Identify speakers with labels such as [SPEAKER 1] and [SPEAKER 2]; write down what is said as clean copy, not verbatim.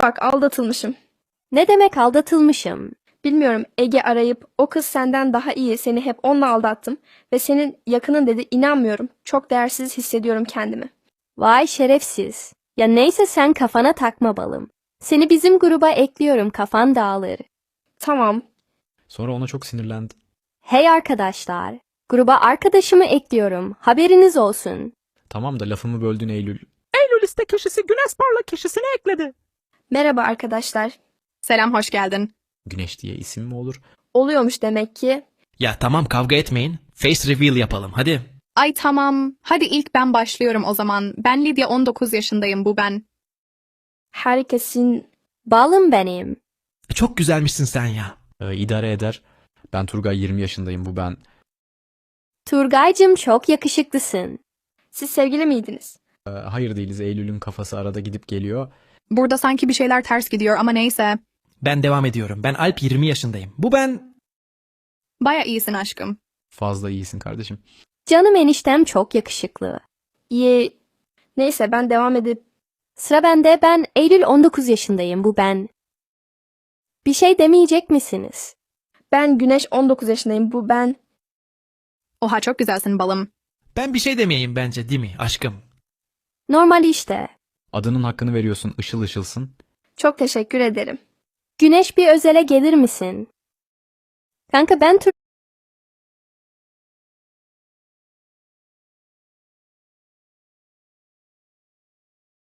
[SPEAKER 1] Bak aldatılmışım.
[SPEAKER 2] Ne demek aldatılmışım?
[SPEAKER 1] Bilmiyorum, Ege arayıp o kız senden daha iyi, seni hep onunla aldattım ve senin yakının dedi, inanmıyorum. Çok değersiz hissediyorum kendimi.
[SPEAKER 2] Vay şerefsiz. Ya neyse sen kafana takma balım. Seni bizim gruba ekliyorum, kafan dağılır.
[SPEAKER 1] Tamam.
[SPEAKER 3] Sonra ona çok sinirlendi.
[SPEAKER 2] Hey arkadaşlar, gruba arkadaşımı ekliyorum. Haberiniz olsun.
[SPEAKER 3] Tamam da lafımı böldün Eylül.
[SPEAKER 4] Eylül liste kişisi Güneş Parlak kişisini ekledi.
[SPEAKER 1] Merhaba arkadaşlar.
[SPEAKER 4] Selam, hoş geldin.
[SPEAKER 3] Güneş diye isim mi olur?
[SPEAKER 1] Oluyormuş demek ki.
[SPEAKER 5] Ya tamam kavga etmeyin. Face reveal yapalım hadi.
[SPEAKER 4] Ay tamam. Hadi ilk ben başlıyorum o zaman. Ben Lidya, 19 yaşındayım, bu ben.
[SPEAKER 1] Herkesin...
[SPEAKER 2] Balım benim.
[SPEAKER 5] Çok güzelmişsin sen ya.
[SPEAKER 3] İdare eder. Ben Turgay, 20 yaşındayım, bu ben.
[SPEAKER 2] Turgaycım çok yakışıklısın.
[SPEAKER 1] Siz sevgili miydiniz?
[SPEAKER 3] Hayır değiliz, Eylül'ün kafası arada gidip geliyor.
[SPEAKER 4] Burada sanki bir şeyler ters gidiyor ama neyse.
[SPEAKER 5] Ben devam ediyorum. Ben Alp, 20 yaşındayım. Bu ben.
[SPEAKER 4] Baya iyisin aşkım.
[SPEAKER 3] Fazla iyisin kardeşim.
[SPEAKER 2] Canım eniştem çok yakışıklı.
[SPEAKER 1] İyi. Neyse ben devam edip...
[SPEAKER 2] Sıra bende, ben Eylül, 19 yaşındayım, bu ben. Bir şey demeyecek misiniz?
[SPEAKER 1] Ben Güneş, 19 yaşındayım, bu ben.
[SPEAKER 4] Oha, çok güzelsin balım.
[SPEAKER 5] Ben bir şey demeyeyim bence, değil mi aşkım?
[SPEAKER 2] Normal işte.
[SPEAKER 3] Adının hakkını veriyorsun, ışıl ışılsın.
[SPEAKER 1] Çok teşekkür ederim.
[SPEAKER 2] Güneş, bir özele gelir misin? Kanka ben